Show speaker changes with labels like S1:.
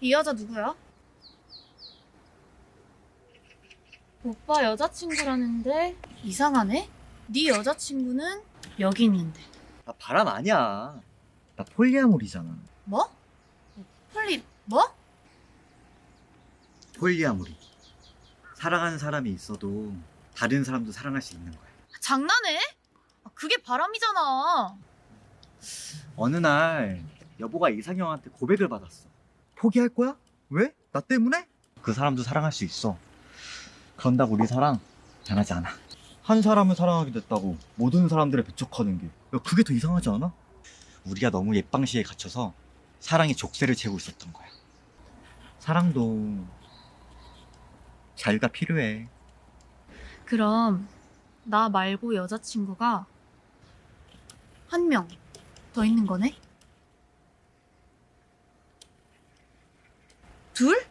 S1: 이 여자 누구야? 오빠 여자친구라는데 이상하네? 네 여자친구는 여기 있는데.
S2: 나 바람 아니야. 나 폴리아모리잖아.
S1: 뭐? 폴리 뭐?
S2: 폴리아모리. 사랑하는 사람이 있어도 다른 사람도 사랑할 수 있는 거야.
S1: 장난해? 그게 바람이잖아.
S2: 어느 날 여보가 이상형한테 고백을 받았어. 포기할 거야? 왜? 나 때문에? 그 사람도 사랑할 수 있어. 그런다고 우리 사랑 변하지 않아. 한 사람을 사랑하게 됐다고 모든 사람들을 배척하는 게, 야, 그게 더 이상하지 않아? 우리가 너무 옛방시에 갇혀서 사랑의 족쇄를 채우고 있었던 거야. 사랑도 자유가 필요해.
S1: 그럼 나 말고 여자친구가 한 명 더 있는 거네? 둘?